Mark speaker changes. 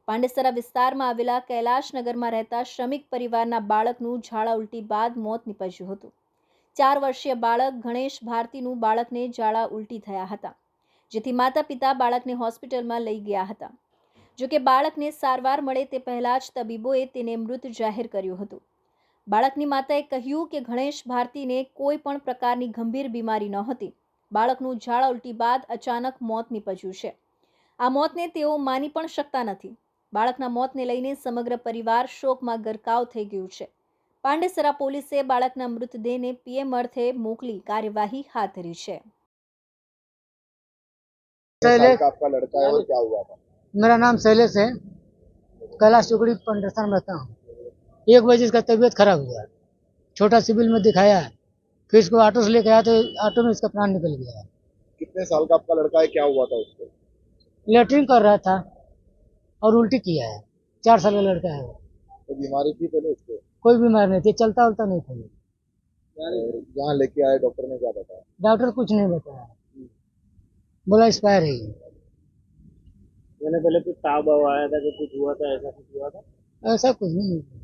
Speaker 1: પાંડેસરા વિસ્તારમાં આવેલા કૈલાશનગરમાં રહેતા શ્રમિક પરિવારના બાળકનું ઝાડા ઉલટી બાદ મોત નીપજ્યું હતું। 4 વર્ષીય બાળક ગણેશ ભારતીનું બાળકને ઝાડા ઉલટી થયા હતા, જેથી માતા પિતા બાળકને હોસ્પિટલમાં લઈ ગયા હતા। જોકે બાળકને સારવાર મળે તે પહેલા જ તબીબોએ તેને મૃત જાહેર કર્યું હતું। બાળકની માતાએ કહ્યું કે ગણેશ ભારતીને કોઈ પણ પ્રકારની ગંભીર બીમારી નહોતી। બાળકનું ઝાડા ઉલટી બાદ અચાનક મોત નીપજ્યું છે। આ મોતને તેઓ માની પણ શકતા નથી। બાળકના મોતને લઈને સમગ્ર પરિવાર શોકમાં ગરકાવ થઈ ગયું છે। પાંડેસરા પોલીસે બાળકના મૃતદેહને પીએમ અર્થે મોકલી કાર્યવાહી હાથ ધરી છે।
Speaker 2: आपका लड़का है और क्या हुआ था?
Speaker 3: मेरा नाम शैलेश है। कैलाश चौकड़ी पंडरसन में रहता हूँ। 1 बजे इसका तबीयत खराब हुआ, छोटा सिविल में दिखाया, फिर इसको ऑटो से लेकर आया तो ऑटो में इसका प्राण निकल गया।
Speaker 2: कितने साल का आपका लड़का है, क्या हुआ था उसको?
Speaker 3: लेटरिन कर रहा था और उल्टी किया है। 4 साल का लड़का है वो।
Speaker 2: तो बीमारी थी पहले उसको?
Speaker 3: कोई बीमार नहीं थी, चलता उलता नहीं था।
Speaker 2: जहाँ लेके आए डॉक्टर ने क्या बताया?
Speaker 3: डॉक्टर कुछ नहीं बताया, बोला एक्सपायर है ये।
Speaker 4: मैंने पहले कुछ ताव वाव आया था कि कुछ हुआ था, ऐसा कुछ हुआ था?
Speaker 3: ऐसा कुछ नहीं।